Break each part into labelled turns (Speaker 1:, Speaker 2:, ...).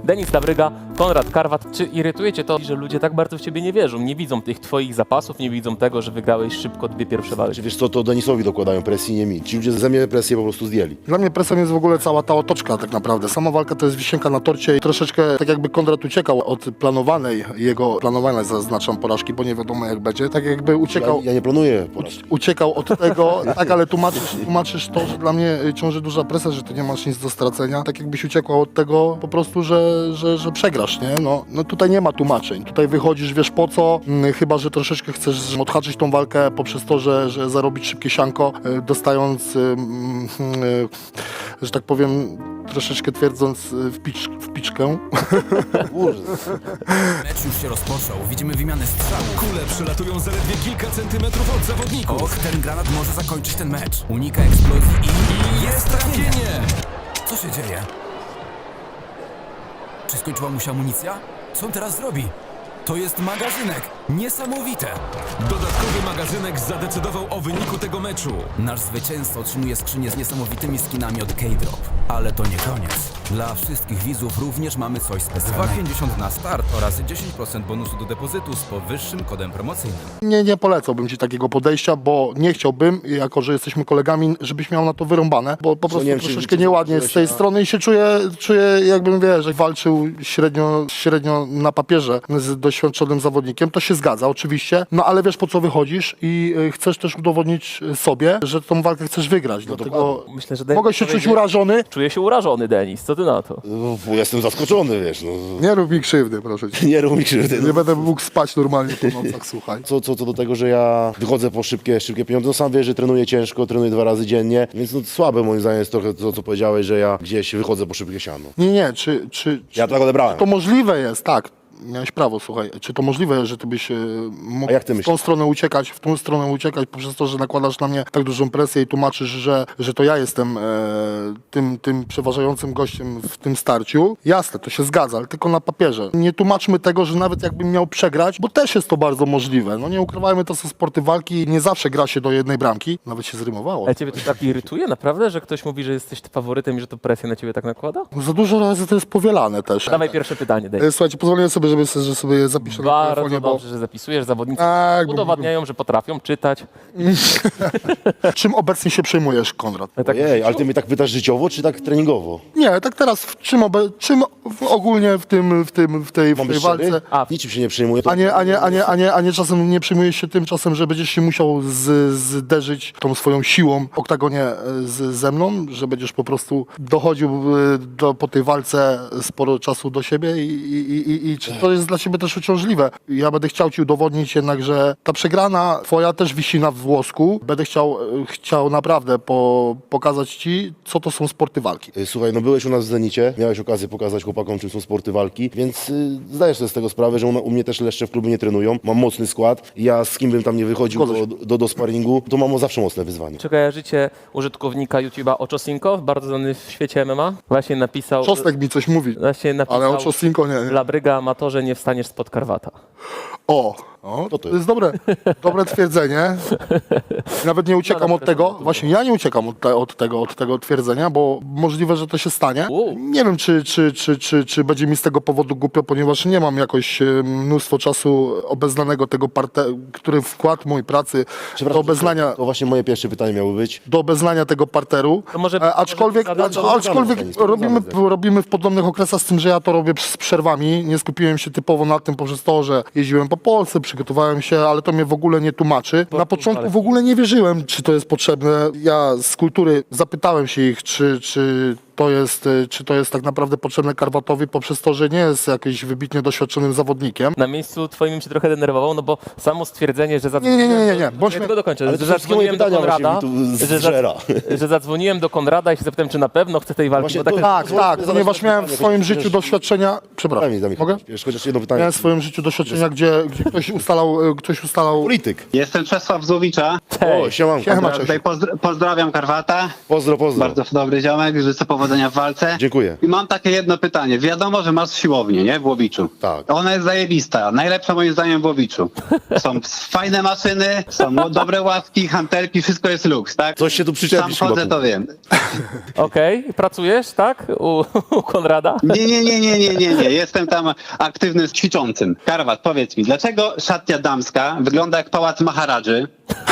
Speaker 1: Denis Labryga, Konrad Karwat. Czy irytuje cię to, że ludzie tak bardzo w ciebie nie wierzą? Nie widzą tych twoich zapasów, nie widzą tego, że wygrałeś szybko 2 pierwsze walki.
Speaker 2: Czy wiesz co, to Denisowi dokładają presji, nie mi. Ci ludzie ze mnie presję po prostu zdjęli.
Speaker 3: Dla mnie presją jest w ogóle cała ta otoczka tak naprawdę. Sama walka to jest wisienka na torcie i troszeczkę tak jakby Konrad uciekał od planowanej zaznaczam porażki, bo nie wiadomo jak będzie. Tak jakby uciekał.
Speaker 2: Ja nie planuję porażki.
Speaker 3: Uciekał od tego, tak, ale tłumaczysz to, że dla mnie ciąży duża presja, że ty nie masz nic do stracenia. Tak jakbyś uciekał od tego po prostu, że przegrasz, nie? No tutaj nie ma tłumaczeń. Tutaj wychodzisz, wiesz po co, chyba że troszeczkę chcesz odhaczyć tą walkę poprzez to, że zarobić szybkie sianko, dostając, że tak powiem, troszeczkę twierdząc w piczkę.
Speaker 4: Mecz już się rozpoczął, widzimy wymianę strzałów.
Speaker 5: Kule przelatują zaledwie kilka centymetrów od zawodników.
Speaker 4: Och, ten granat może zakończyć ten mecz. Unika eksplozji i jest trafienie! Co się dzieje? Czy skończyła mu się amunicja? Co on teraz zrobi? To jest magazynek! Niesamowite!
Speaker 5: Dodatkowy magazynek zadecydował o wyniku tego meczu.
Speaker 4: Nasz zwycięzca otrzymuje skrzynię z niesamowitymi skinami od K-Drop. Ale to nie koniec. Dla wszystkich widzów również mamy coś specjalnego.
Speaker 6: 2,50 na start oraz 10% bonusu do depozytu z powyższym kodem promocyjnym.
Speaker 3: Nie polecałbym ci takiego podejścia, bo nie chciałbym, jako że jesteśmy kolegami, żebyś miał na to wyrąbane, bo po prostu
Speaker 2: nie wiem,
Speaker 3: troszeczkę
Speaker 2: czy
Speaker 3: nieładnie jest z tej strony i się czuję jakbym, wiesz, że walczył średnio na papierze z doświadczonym zawodnikiem. To się zgadza oczywiście, no ale wiesz po co wychodzisz i chcesz też udowodnić sobie, że tą walkę chcesz wygrać. Dlatego
Speaker 1: Myślę, że Denis
Speaker 3: mogę się czuć
Speaker 1: powiedział-
Speaker 3: urażony.
Speaker 1: Czuję się urażony, Denis. Co ty na to?
Speaker 2: Bo jestem zaskoczony, wiesz, no.
Speaker 3: Nie rób mi krzywdy, proszę cię.
Speaker 2: Nie rób mi krzywdy.
Speaker 3: Nie będę mógł spać normalnie po nocach, słuchaj.
Speaker 2: Co do tego, że ja wychodzę po szybkie pieniądze, no sam wiesz, że trenuję ciężko, trenuję 2 razy dziennie, więc no słabe moim zdaniem jest trochę to, co powiedziałeś, że ja gdzieś wychodzę po szybkie siano.
Speaker 3: Nie,
Speaker 2: Ja tak odebrałem.
Speaker 3: to możliwe jest, tak. Miałeś prawo, słuchaj. Czy to możliwe, że ty byś mógł
Speaker 2: A jak ty
Speaker 3: w tą
Speaker 2: myślisz?
Speaker 3: stronę uciekać poprzez to, że nakładasz na mnie tak dużą presję i tłumaczysz, że to ja jestem tym przeważającym gościem w tym starciu? Jasne, to się zgadza, ale tylko na papierze. Nie tłumaczmy tego, że nawet jakbym miał przegrać, bo też jest to bardzo możliwe. No nie ukrywajmy, to są sporty walki, nie zawsze gra się do jednej bramki. Nawet się zrymowało.
Speaker 1: Ale ciebie to tak irytuje naprawdę, że ktoś mówi, że jesteś faworytem i że to presję na ciebie tak nakłada?
Speaker 3: Za dużo razy to jest powielane też.
Speaker 1: Dawaj pierwsze pytanie, Denis.
Speaker 3: Słuchajcie, pozwoliłem sobie, że sobie zapiszę na
Speaker 1: Bardzo
Speaker 3: telefonie, bo
Speaker 1: dobrze, że zapisujesz. Zawodnicy
Speaker 3: Tak, bo-
Speaker 1: udowadniają, że potrafią czytać.
Speaker 3: czym obecnie się przejmujesz, Konrad?
Speaker 1: Tak,
Speaker 2: Ojej, ale ty mnie tak pytasz życiowo, czy tak treningowo?
Speaker 3: Nie, tak teraz czym ogólnie w tej
Speaker 2: Mam być
Speaker 3: walce,
Speaker 2: szczery? Niczym się nie przejmuję. To...
Speaker 3: a nie czasem nie przejmujesz się tym czasem, że będziesz się musiał zderzyć tą swoją siłą w oktagonie ze mną, że będziesz po prostu dochodził po tej walce sporo czasu do siebie i czy to jest dla ciebie też uciążliwe? Ja będę chciał ci udowodnić jednak, że ta przegrana twoja też wisi na włosku. Będę chciał naprawdę pokazać ci, co to są sporty walki.
Speaker 2: Słuchaj, no byłeś u nas w Zenicie, miałeś okazję pokazać chłopakom, czym są sporty walki, więc zdajesz sobie z tego sprawę, że u mnie też leszcze w klubie nie trenują. Mam mocny skład. Ja z kim bym tam nie wychodził do sparingu, to mam zawsze mocne wyzwanie.
Speaker 1: Czy kojarzycie użytkownika YouTube'a Oczosinko, bardzo znany w świecie MMA? Właśnie napisał...
Speaker 3: Czosnek mi coś mówi,
Speaker 1: Napisał
Speaker 3: ale o Czosinko nie.
Speaker 1: Labryga, amatorze, nie wstaniesz spod Karwata.
Speaker 3: To jest dobre twierdzenie. Nawet nie uciekam od tego. Właśnie ja nie uciekam od tego twierdzenia, bo możliwe, że to się stanie. Nie wiem, czy będzie mi z tego powodu głupio, ponieważ nie mam jakoś mnóstwo czasu obeznanego tego który wkład mój pracy do obeznania.
Speaker 2: To właśnie moje pierwsze pytanie miało być.
Speaker 3: Do obeznania tego parteru,
Speaker 1: To może-
Speaker 3: aczkolwiek robimy w podobnych okresach, z tym, że ja to robię z przerwami. Nie skupiłem się typowo na tym poprzez to, że jeździłem po Polsce, przygotowałem się, ale to mnie w ogóle nie tłumaczy. Na początku w ogóle nie wierzyłem, czy to jest potrzebne. Ja z kultury zapytałem się ich, czy to jest tak naprawdę potrzebne Karwatowi poprzez to, że nie jest jakimś wybitnie doświadczonym zawodnikiem.
Speaker 1: Na miejscu twoim bym się trochę denerwował, no bo samo stwierdzenie, że zadzwoniłem...
Speaker 3: Nie.
Speaker 1: Ja tylko dokończę.
Speaker 2: Ale
Speaker 1: Że
Speaker 2: to wszystkie moje
Speaker 1: zadzwoniłem do
Speaker 2: pytania
Speaker 1: Konrada,
Speaker 2: właśnie mi tu
Speaker 1: że
Speaker 2: zżera.
Speaker 1: że zadzwoniłem do Konrada i się zapytałem, czy na pewno chce tej walki.
Speaker 2: Właśnie
Speaker 1: Bo tak,
Speaker 2: to-
Speaker 3: Tak, ponieważ miałem w swoim życiu doświadczenia. Przepraszam, mogę?
Speaker 2: Wiesz, chociaż jedno pytanie.
Speaker 3: Miałem w swoim życiu doświadczenia, gdzie ktoś ustalał.
Speaker 2: Polityk.
Speaker 7: Jestem Czesław Złowicza.
Speaker 2: O, siemanko.
Speaker 3: Siema, cześć.
Speaker 7: Tutaj pozdrawiam Karwata.
Speaker 2: Pozdro.
Speaker 7: Bardzo dobry ziomek, życzę powodzenia powodzenia w walce.
Speaker 2: Dziękuję.
Speaker 7: I mam takie jedno pytanie. Wiadomo, że masz siłownię, nie? W Łowiczu.
Speaker 2: Tak.
Speaker 7: Ona jest zajebista. Najlepsza moim zdaniem w Łowiczu. Są fajne maszyny, są dobre ławki, hantelki, wszystko jest luks, tak?
Speaker 2: Coś się tu przyczepisz
Speaker 7: Sam chodzę,
Speaker 2: chyba.
Speaker 7: to wiem.
Speaker 1: Okej, pracujesz, tak? U Konrada?
Speaker 7: Nie. Jestem tam aktywny z ćwiczącym. Karwat, powiedz mi, dlaczego szatnia damska wygląda jak pałac Maharadży,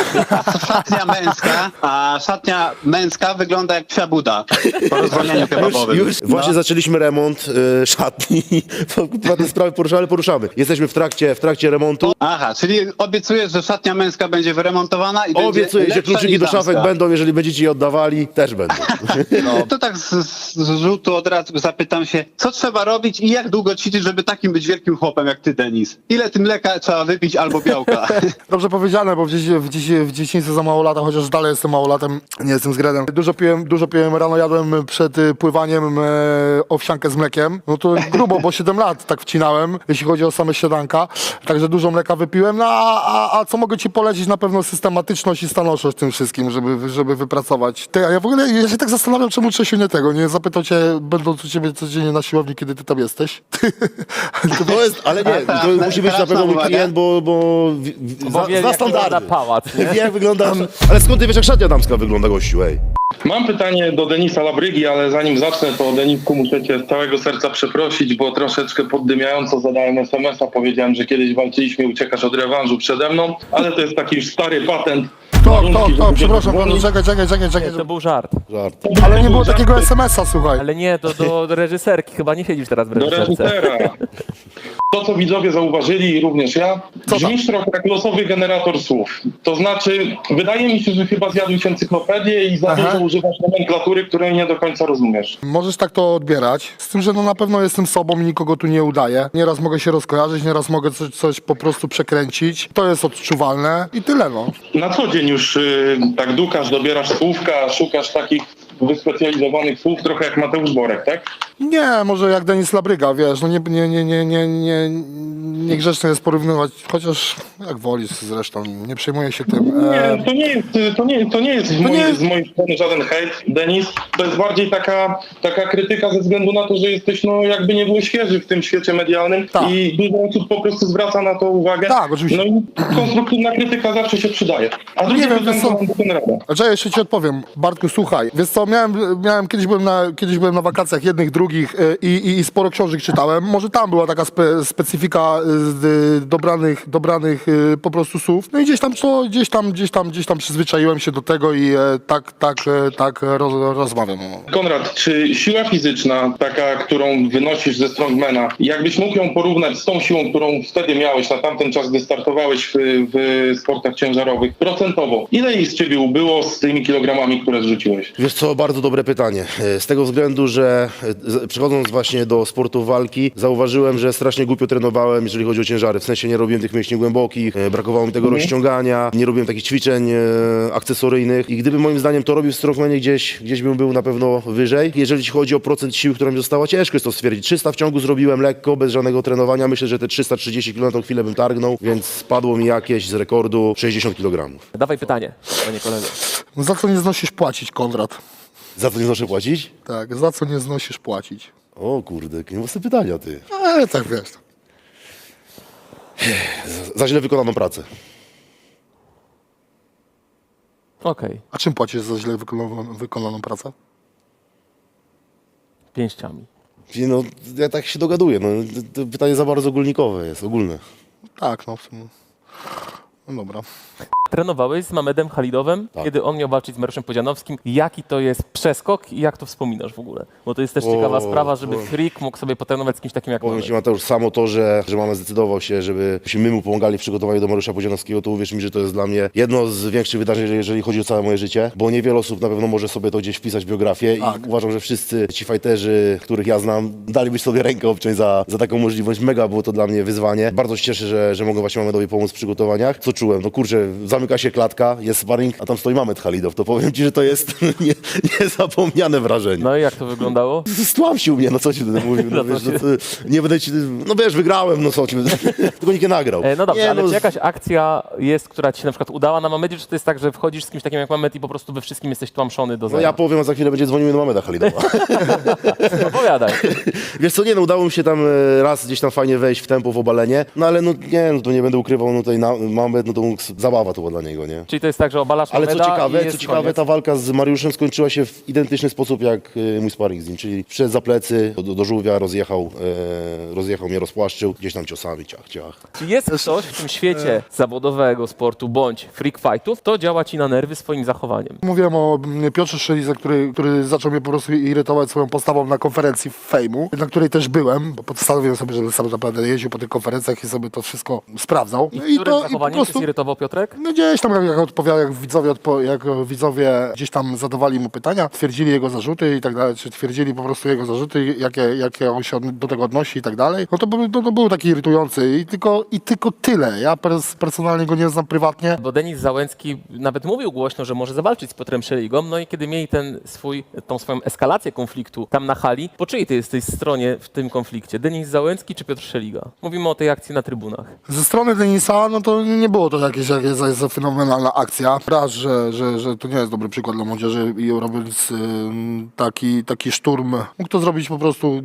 Speaker 7: a szatnia męska wygląda jak psia Buda po rozwolnieniu kebabowym?
Speaker 2: Już właśnie zaczęliśmy remont szatni. Chyba te sprawy poruszamy. Jesteśmy w trakcie remontu.
Speaker 7: Aha, czyli obiecujesz, że szatnia męska będzie wyremontowana i będzie
Speaker 2: Obiecuję, że
Speaker 7: lepsza
Speaker 2: kluczyki
Speaker 7: niż
Speaker 2: do szafek
Speaker 7: damska.
Speaker 2: będą, jeżeli będziecie je oddawali, też będą.
Speaker 7: To tak z rzutu od razu zapytam się, co trzeba robić i jak długo ćwiczyć, żeby takim być wielkim chłopem jak ty, Denis? Ile tym mleka trzeba wypić albo białka?
Speaker 3: Dobrze powiedziane, bo w dzieciństwie za mało lata, chociaż dalej jestem małolatem, nie jestem zgredem. Dużo piłem rano, jadłem przed pływaniem owsiankę z mlekiem. No to grubo, bo 7 lat tak wcinałem, jeśli chodzi o same śniadanka. Także dużo mleka wypiłem. No a co mogę ci polecić? Na pewno systematyczność i stanowczość w tym wszystkim, żeby wypracować. Ty, a ja w ogóle ja się tak zastanawiam, czemu Czesiu nie tego, nie zapytał cię, będąc u ciebie codziennie na siłowni, kiedy ty tam jesteś.
Speaker 2: To jest, ale nie, to musi być na pewno mój klient, bo
Speaker 1: Bo wie,
Speaker 2: za
Speaker 1: jak
Speaker 2: standardy.
Speaker 1: wygląda pałac, nie?
Speaker 2: Wie, jak wygląda. Ale skąd ty wiesz, jak szatnia damska wygląda, gościu, ej?
Speaker 8: Mam pytanie do Denisa Labrygi, ale zanim zacznę, to Denisku muszę cię z całego serca przeprosić, bo troszeczkę poddymiająco zadałem SMS-a, powiedziałem, że kiedyś walczyliśmy i uciekasz od rewanżu przede mną, ale to jest taki już stary patent. Warunki,
Speaker 3: To,
Speaker 8: żeby
Speaker 3: przepraszam
Speaker 8: cię
Speaker 3: bardzo, czekaj.
Speaker 1: To był żart.
Speaker 2: Żart.
Speaker 3: Ale nie było takiego SMS-a, słuchaj.
Speaker 1: Ale nie, do reżyserki. Chyba nie siedzisz teraz w
Speaker 8: do
Speaker 1: reżyserce.
Speaker 8: reżysera. To, co widzowie zauważyli i również ja, brzmisz trochę jak losowy generator słów. To znaczy, wydaje mi się, że chyba zjadłeś encyklopedię i za dużo używasz nomenklatury, której nie do końca rozumiesz.
Speaker 3: Możesz tak to odbierać, z tym, że no na pewno jestem sobą i nikogo tu nie udaję. Nieraz mogę się rozkojarzyć, nieraz mogę coś po prostu przekręcić. To jest odczuwalne i tyle, no.
Speaker 8: Na co dzień już tak dukasz, dobierasz słówka, szukasz takich wyspecjalizowanych słów, trochę jak Mateusz Borek, tak?
Speaker 3: Nie, może jak Denis Labryga, wiesz, no niegrzeczne jest porównywać, chociaż jak wolisz zresztą, nie przejmuję się tym.
Speaker 8: Nie, to nie jest z mojej strony żaden hejt, Denis. To jest bardziej taka krytyka ze względu na to, że jesteś jakby nie był świeży w tym świecie medialnym
Speaker 3: Tak.
Speaker 8: i dużo osób po prostu zwraca na to uwagę.
Speaker 3: Tak, oczywiście.
Speaker 8: No i konstruktywna krytyka zawsze się przydaje. A drugie
Speaker 3: wiem,
Speaker 8: pytanie
Speaker 3: wiesz co?
Speaker 8: mam do Konrada.
Speaker 3: Znaczy, ja jeszcze ci odpowiem. Bartku, słuchaj, wiesz co, kiedyś byłem na wakacjach jednych, drugich i sporo książek czytałem. Może tam była taka specyfika dobranych po prostu słów. No i gdzieś tam przyzwyczaiłem się do tego i tak rozmawiam.
Speaker 8: Konrad, czy siła fizyczna, taka, którą wynosisz ze strongmana, jakbyś mógł ją porównać z tą siłą, którą wtedy miałeś na tamten czas, gdy startowałeś w sportach ciężarowych, procentowo, ile jej z ciebie ubyło z tymi kilogramami, które zrzuciłeś?
Speaker 2: Wiesz co, bardzo dobre pytanie. Z tego względu, że przechodząc właśnie do sportu walki, zauważyłem, że strasznie głupio trenowałem, jeżeli chodzi o ciężary. W sensie nie robiłem tych mięśni głębokich, brakowało mi tego rozciągania, nie robiłem takich ćwiczeń akcesoryjnych i gdyby moim zdaniem to robił w strongmanie, gdzieś bym był na pewno wyżej. Jeżeli chodzi o procent siły, która mi została, ciężko jest to stwierdzić. 300 w ciągu zrobiłem lekko, bez żadnego trenowania. Myślę, że te 330 kg na tą chwilę bym targnął, więc spadło mi jakieś z rekordu 60 kg.
Speaker 1: Dawaj pytanie, panie kolego.
Speaker 3: No za co nie znosisz płacić, Konrad?
Speaker 2: Za to nie znoszę płacić?
Speaker 3: Tak, za co nie znosisz płacić?
Speaker 2: O kurde, jakie mocne pytania, ty.
Speaker 3: Ale tak wiesz.
Speaker 2: Za źle wykonaną pracę.
Speaker 1: Okej,
Speaker 3: A czym płacisz za źle wykonaną pracę?
Speaker 1: pięściami.
Speaker 2: No, ja tak się dogaduję. No, to pytanie za bardzo ogólnikowe jest, ogólne.
Speaker 3: Tak, no w sumie. No dobra.
Speaker 1: Trenowałeś z Mamedem Halidowem,
Speaker 2: Tak.
Speaker 1: kiedy on miał walczyć z Mariuszem Pudzianowskim. Jaki to jest przeskok i jak to wspominasz w ogóle? Bo to jest też ciekawa sprawa, żeby freak mógł sobie potrenować z kimś takim jak
Speaker 2: Powiem
Speaker 1: Mamed.
Speaker 2: Ci, Mateusz, samo to, że mama zdecydował się, żebyśmy my mu pomagali w przygotowaniu do Mariusza Pudzianowskiego, to uwierz mi, że to jest dla mnie jedno z większych wydarzeń, jeżeli chodzi o całe moje życie, bo niewiele osób na pewno może sobie to gdzieś wpisać w biografię i uważam, że wszyscy ci fajterzy, których ja znam, daliby sobie rękę obciąć za taką możliwość. Mega było to dla mnie wyzwanie. Bardzo się cieszę, że mogę właśnie Mamedowi pomóc w przygotowaniach. Co czułem? No kurczę, zamyka się klatka, jest sparring, a tam stoi Mamed Halidow. To powiem ci, że to jest niezapomniane wrażenie.
Speaker 1: No i jak to wyglądało?
Speaker 2: Stłamsił mnie, no co ci będę mówił, no, wiesz, no, nie będę ci, no wiesz, wygrałem, no co ci będę, tylko nikt nie nagrał.
Speaker 1: No dobrze,
Speaker 2: nie,
Speaker 1: ale
Speaker 2: no,
Speaker 1: czy jakaś akcja jest, która ci się na przykład udała na Mamedzie, czy to jest tak, że wchodzisz z kimś takim jak Mamed i po prostu we wszystkim jesteś tłamszony do
Speaker 2: No
Speaker 1: zera?
Speaker 2: ja powiem, a za chwilę będzie dzwonił do Mameda Halidowa.
Speaker 1: Opowiadaj.
Speaker 2: Wiesz co, nie, no udało mi się tam raz gdzieś tam fajnie wejść w tempo, w obalenie, no ale no nie, no to nie będę ukrywał, no tutaj Mamed, no to mógł, zabawa to była dla niego, nie?
Speaker 1: Czyli to jest tak, że obalasz
Speaker 2: Ale
Speaker 1: Mameda i jest
Speaker 2: co ciekawe,
Speaker 1: koniec.
Speaker 2: ta walka z Mariuszem skończyła się w identyczny sposób jak mój sparring z nim, czyli wszedł za plecy, do żółwia, rozjechał mnie, rozpłaszczył, gdzieś tam ciosami, ciach.
Speaker 1: Czy jest ktoś w tym świecie zawodowego sportu bądź freak fightów, to działa ci na nerwy swoim zachowaniem?
Speaker 3: Mówiłem o Piotrze Szelize, który zaczął mnie po prostu irytować swoją postawą na konferencji Fejmu, na której też byłem, bo postanowiłem sobie, że sam naprawdę jeździł po tych konferencjach i sobie to wszystko sprawdzał.
Speaker 1: I którym zachowaniem cię zirytował Piotrek?
Speaker 3: No gdzieś tam jak odpowiadał, jak widzowie gdzieś tam zadawali mu pytania, twierdzili jego zarzuty i tak dalej, czy twierdzili po prostu jego zarzuty, jakie on się do tego odnosi i tak dalej, no to był taki irytujący i tylko tyle. Ja personalnie go nie znam prywatnie.
Speaker 1: Bo Denis Załęcki nawet mówił głośno, że może zawalczyć z Piotrem Szeligą, no i kiedy mieli tą swoją eskalację konfliktu tam na hali, po czyjej ty jesteś stronie w tym konflikcie? Denis Załęcki czy Piotr Szeliga? Mówimy o tej akcji na trybunach.
Speaker 3: Ze strony Denisa, no to nie było to jakieś fenomenalna akcja. Raz, że to nie jest dobry przykład dla młodzieży i robiąc taki szturm, mógł to zrobić po prostu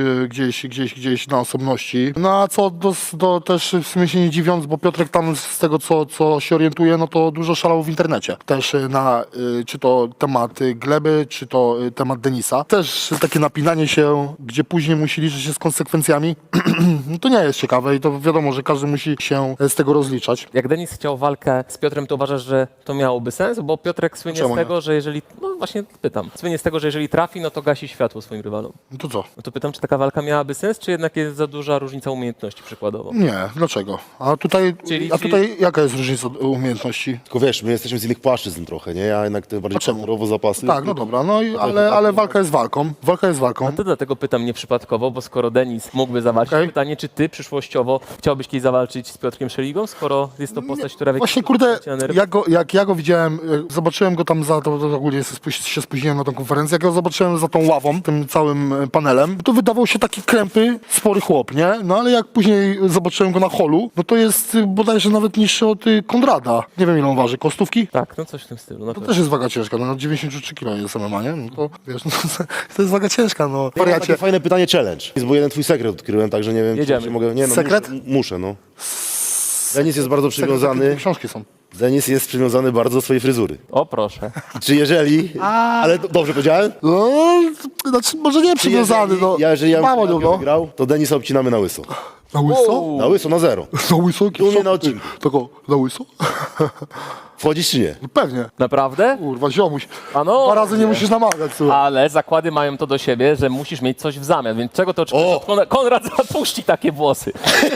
Speaker 3: gdzieś na osobności. No a co do też w sumie się nie dziwiąc, bo Piotrek tam z tego co się orientuje, no to dużo szalał w internecie. Też na czy to temat Gleby, czy to temat Denisa. Też takie napinanie się, gdzie później musi liczyć się z konsekwencjami, no to nie jest ciekawe i to wiadomo, że każdy musi się z tego rozliczać.
Speaker 1: Jak Denis chciał walkę z Piotrem, to uważasz, że to miałoby sens? Bo Piotrek słynie
Speaker 3: Czemu
Speaker 1: z tego, że jeżeli... No właśnie pytam. Słynie z tego, że jeżeli trafi, no to gasi światło swoim rywalom.
Speaker 3: No to co?
Speaker 1: No to pytam, czy taka walka miałaby sens, czy jednak jest za duża różnica umiejętności przykładowo?
Speaker 3: Nie, dlaczego? A tutaj jaka jest różnica umiejętności?
Speaker 2: Tylko wiesz, my jesteśmy z innych płaszczyzn trochę, nie? Ja jednak te bardziej
Speaker 3: A czemu?
Speaker 2: kolorowo zapasy.
Speaker 3: Tak, no dobra, no ale walka jest walką. Walka jest walką.
Speaker 1: No to dlatego pytam nieprzypadkowo, bo skoro Denis mógłby zawalczyć,
Speaker 3: Okej.
Speaker 1: pytanie, czy ty przyszłościowo chciałbyś kiedyś zawalczyć z Piotrkiem Szeligą, skoro jest to postać, która...
Speaker 3: Właśnie kurde, jak ja go widziałem, zobaczyłem go tam to ogólnie się spóźniłem na tą konferencję, jak go zobaczyłem za tą ławą, tym całym panelem, to wydawał się taki krępy, spory chłop, nie? No ale jak później zobaczyłem go na holu, no to jest bodajże nawet niższy od Konrada. Nie wiem ile on waży, kostówki?
Speaker 1: Tak, no coś w tym stylu. No
Speaker 3: To też jest waga ciężka, no 93 kg jest MMA, nie? No to wiesz, no, to jest waga ciężka, no.
Speaker 2: Ja mam
Speaker 3: Wariacie.
Speaker 2: takie fajne pytanie, challenge. Bo jeden twój sekret odkryłem, także nie wiem,
Speaker 1: Jedziemy.
Speaker 2: czy się mogę... Nie, no,
Speaker 3: Sekret?
Speaker 2: Muszę, no. Denis jest bardzo przywiązany.
Speaker 3: Takie książki są.
Speaker 2: Denis jest przywiązany bardzo do swojej fryzury.
Speaker 1: O proszę.
Speaker 2: Czy jeżeli... Ale dobrze powiedziałem?
Speaker 3: No, znaczy może nie przywiązany, no.
Speaker 2: Jeżeli ja
Speaker 3: Mało,
Speaker 2: bym
Speaker 3: no.
Speaker 2: wygrał, to Denisa obcinamy na łyso.
Speaker 3: Na łyso?
Speaker 2: Na łyso, na zero.
Speaker 3: Na łyso?
Speaker 2: U mnie na odcinku.
Speaker 3: Tylko na łyso?
Speaker 2: Wchodzisz czy nie?
Speaker 3: Pewnie.
Speaker 1: Naprawdę?
Speaker 3: Kurwa, ziomuś.
Speaker 1: Ano,
Speaker 3: 2 razy nie musisz namawiać, słuchaj.
Speaker 1: ale zakłady mają to do siebie, że musisz mieć coś w zamian, więc czego to oczekujesz? Konrad zapuści takie włosy.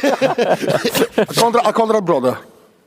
Speaker 3: A Konrad brodę.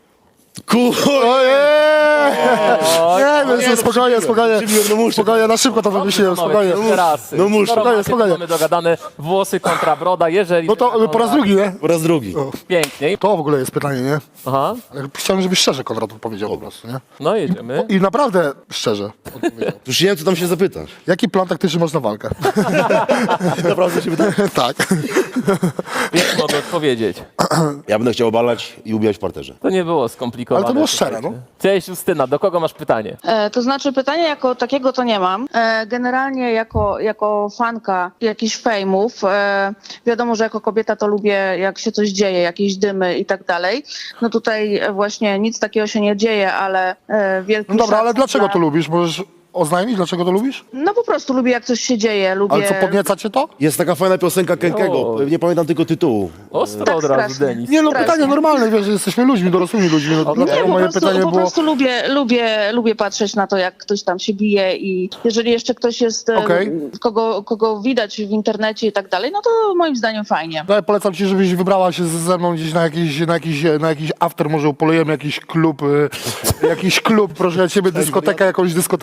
Speaker 3: Nie, spokojnie. Spokojnie, na szybko to wymyśliłem, spokojnie.
Speaker 1: No
Speaker 2: muszę.
Speaker 3: Spokojnie.
Speaker 1: Mamy dogadane włosy kontra broda, jeżeli...
Speaker 3: No to po raz drugi, nie?
Speaker 2: Po raz drugi.
Speaker 1: Piękniej.
Speaker 3: To w ogóle jest pytanie, nie?
Speaker 1: Aha,
Speaker 3: Ale chciałem, żebyś szczerze Konrad odpowiedział po prostu, nie?
Speaker 1: no jedziemy.
Speaker 3: I naprawdę szczerze odpowiedział.
Speaker 2: Już nie wiem, co tam się zapytasz.
Speaker 3: Jaki plan taktyczny masz na walkę?
Speaker 2: Naprawdę się pytasz?
Speaker 3: Tak.
Speaker 1: Więc mogę odpowiedzieć.
Speaker 2: Ja będę chciał obalać i ubijać w parterze.
Speaker 1: To nie było skomplikowane.
Speaker 3: Ale to było szczere,
Speaker 1: słuchajcie. Cześć Justyna, do kogo masz pytanie?
Speaker 9: To znaczy pytania jako takiego to nie mam. Generalnie jako fanka jakichś fejmów, wiadomo, że jako kobieta to lubię, jak się coś dzieje, jakieś dymy i tak dalej. No tutaj właśnie nic takiego się nie dzieje, ale wielki
Speaker 3: No dobra, ale
Speaker 9: szacunek
Speaker 3: dlaczego
Speaker 9: dla-
Speaker 3: to lubisz? Możesz oznajmić, dlaczego to lubisz?
Speaker 9: No po prostu lubię, jak coś się dzieje, lubię...
Speaker 3: Ale co, podnieca cię to?
Speaker 2: Jest taka fajna piosenka Kenkego,
Speaker 1: O.
Speaker 2: nie pamiętam tylko tytułu.
Speaker 1: Ostro
Speaker 9: Tak
Speaker 1: od razu,
Speaker 9: strasznie.
Speaker 1: Denis.
Speaker 3: Nie, no
Speaker 9: Strasznie.
Speaker 3: pytanie normalne, wiesz, że jesteśmy ludźmi, dorosłymi ludźmi, no,
Speaker 9: Nie,
Speaker 3: dlatego moje pytanie
Speaker 9: po
Speaker 3: było...
Speaker 9: prostu lubię patrzeć na to, jak ktoś tam się bije i jeżeli jeszcze ktoś jest,
Speaker 3: Okej.
Speaker 9: kogo widać w internecie i tak dalej, no to moim zdaniem fajnie.
Speaker 3: No, ja polecam ci, żebyś wybrała się ze mną gdzieś na jakiś after, może upolujemy jakiś klub, proszę ja ciebie, jakąś dyskotekę upolujemy.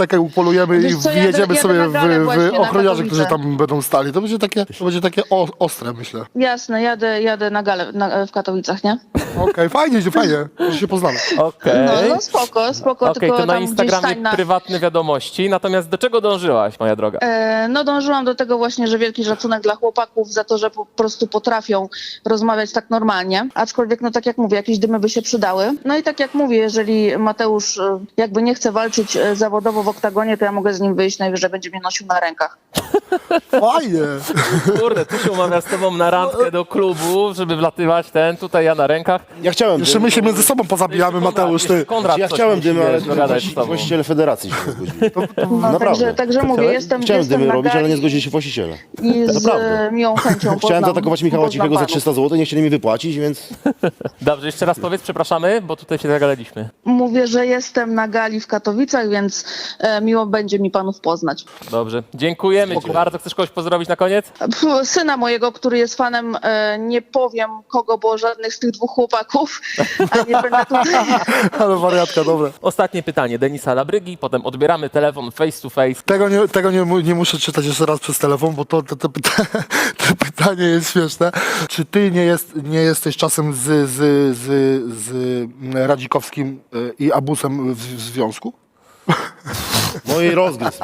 Speaker 3: spolujemy
Speaker 9: Wiesz
Speaker 3: i
Speaker 9: co,
Speaker 3: wjedziemy
Speaker 9: jadę
Speaker 3: sobie
Speaker 9: na galę
Speaker 3: w
Speaker 9: właśnie na
Speaker 3: ochroniarzy, którzy
Speaker 9: Katowice.
Speaker 3: tam będą stali. To będzie takie ostre, myślę.
Speaker 9: Jasne, jadę na galę w Katowicach, nie?
Speaker 3: Okej, fajnie, że się poznamy.
Speaker 1: Okej.
Speaker 9: No spoko,
Speaker 1: Okej,
Speaker 9: tylko
Speaker 1: to na
Speaker 9: tam gdzieś
Speaker 1: Instagramie
Speaker 9: stań na...
Speaker 1: prywatne wiadomości. Natomiast do czego dążyłaś, moja droga?
Speaker 9: No dążyłam do tego właśnie, że wielki szacunek dla chłopaków za to, że po prostu potrafią rozmawiać tak normalnie. Aczkolwiek, no tak jak mówię, jakieś dymy by się przydały. No i tak jak mówię, jeżeli Mateusz jakby nie chce walczyć zawodowo w oktagonie, to ja mogę z nim wyjść, najwyżej będzie mnie nosił na rękach.
Speaker 3: Fajnie.
Speaker 1: Kurde, tu się umawiam z tobą na randkę do klubu, żeby wlatywać tutaj ja na rękach.
Speaker 2: Ja chciałem
Speaker 3: Jeszcze my się między sobą pozabijamy, Mateusz, ty.
Speaker 1: Konrad,
Speaker 2: Ja
Speaker 1: coś
Speaker 2: chciałem
Speaker 1: musi,
Speaker 2: dymy, ale
Speaker 1: wiesz, dogadać z tobą.
Speaker 2: właściciele federacji się nie zgodzili.
Speaker 9: No,
Speaker 2: Naprawdę.
Speaker 9: także mówię, jestem
Speaker 2: Chciałem dymy
Speaker 9: na
Speaker 2: robić, ale
Speaker 9: gali
Speaker 2: nie zgodzili się właściciele.
Speaker 9: i z
Speaker 2: Naprawdę.
Speaker 9: miłą chęcią
Speaker 2: Chciałem zaatakować Michała Cichego za
Speaker 9: panów.
Speaker 2: 300 zł, nie chcieli mi wypłacić, więc
Speaker 1: Dobrze, jeszcze raz powiedz, przepraszamy, bo tutaj się zagadaliśmy.
Speaker 9: Mówię, że jestem na gali w Katowicach, więc miło będzie mi panów poznać.
Speaker 1: Dobrze, dziękujemy ci bardzo. Chcesz kogoś pozdrowić na koniec?
Speaker 9: Syna mojego, który jest fanem, nie powiem kogo, bo żadnych z tych dwóch chłopaków, a nie będę tutaj...
Speaker 3: Ale wariatka, dobra.
Speaker 1: Ostatnie pytanie Denisa Labrygi, potem odbieramy telefon face to face.
Speaker 3: Tego nie muszę czytać jeszcze raz przez telefon, bo to pytanie jest śmieszne. Czy ty nie jesteś czasem z Radzikowskim i Abusem w związku?
Speaker 2: no i rozgryzł.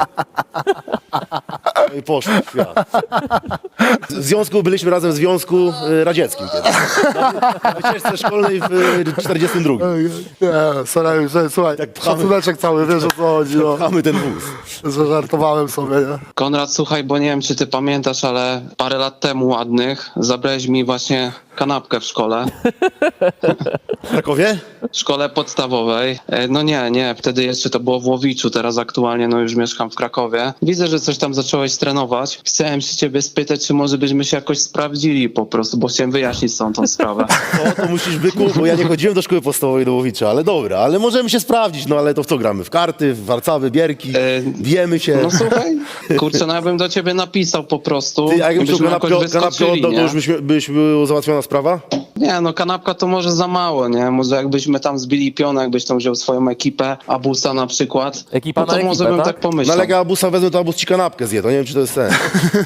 Speaker 2: No i poszło w świat. W związku, byliśmy razem w Związku Radzieckim kiedyś. Na wycieczce szkolnej w 42.
Speaker 3: Nie, sorry, słuchaj,
Speaker 2: pchamy.
Speaker 3: szacuneczek cały, wiesz o co chodzi, no.
Speaker 2: Mamy ten wóz.
Speaker 3: Że żartowałem sobie, nie?
Speaker 10: Konrad, słuchaj, bo nie wiem, czy ty pamiętasz, ale parę lat temu ładnych zabrałeś mi właśnie kanapkę w szkole.
Speaker 2: W Krakowie?
Speaker 10: W szkole podstawowej. No nie, wtedy jeszcze to było w Łowiczu, teraz aktualnie no już mieszkam w Krakowie. Widzę, że coś tam zacząłeś trenować. Chciałem się ciebie spytać, czy może byśmy się jakoś sprawdzili po prostu, bo chciałem wyjaśnić tą sprawę.
Speaker 2: To musisz byku, bo ja nie chodziłem do szkoły podstawowej do Łowicza, ale dobra, ale możemy się sprawdzić, no ale to w co gramy? W karty, w warcaby, bierki, bijemy się.
Speaker 10: No słuchaj, kurczę, no ja bym do ciebie napisał po prostu.
Speaker 2: Ty, a jakbyś tą
Speaker 10: byśmy
Speaker 2: kanapkę
Speaker 10: wyskoczyli,
Speaker 2: oddał, to
Speaker 10: nie?
Speaker 2: już byś była załatwiona sprawa?
Speaker 10: Nie, no kanapka to może za mało, nie? Może jakbyśmy tam zbili pionę, jakbyś tam wziął swoją ekipę, Abusa na przykład.
Speaker 1: Ekipa
Speaker 10: no to
Speaker 1: na
Speaker 10: może
Speaker 1: ekipę,
Speaker 10: bym
Speaker 1: tak?
Speaker 10: tak pomyślał.
Speaker 2: No ale jak Abusa wezmę, to Abus ci kanapkę zje, to nie wiem, czy to jest sens.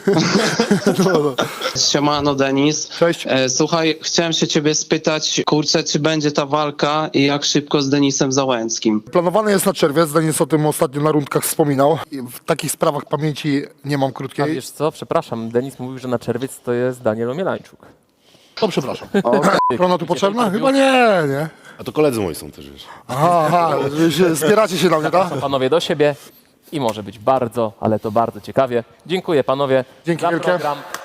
Speaker 10: Siemano, Denis.
Speaker 3: Cześć.
Speaker 10: Słuchaj, chciałem się ciebie spytać, kurczę, czy będzie ta walka i jak szybko z Denisem Załęckim?
Speaker 3: Planowane jest na czerwiec, Denis o tym ostatnio na rundkach wspominał. I w takich sprawach pamięci nie mam
Speaker 1: A
Speaker 3: krótkiej.
Speaker 1: wiesz co, przepraszam, Denis mówił, że na czerwiec to jest Daniel Omielańczuk.
Speaker 3: To przepraszam. Ochrona tu potrzebna? Chyba nie.
Speaker 2: A to koledzy moi są też, wiesz.
Speaker 3: Aha, zbieracie się na mnie, tak?
Speaker 1: Panowie do siebie i może być bardzo, ale to bardzo ciekawie. Dziękuję panowie
Speaker 3: Dzięki
Speaker 1: za
Speaker 3: wielkie.
Speaker 1: program.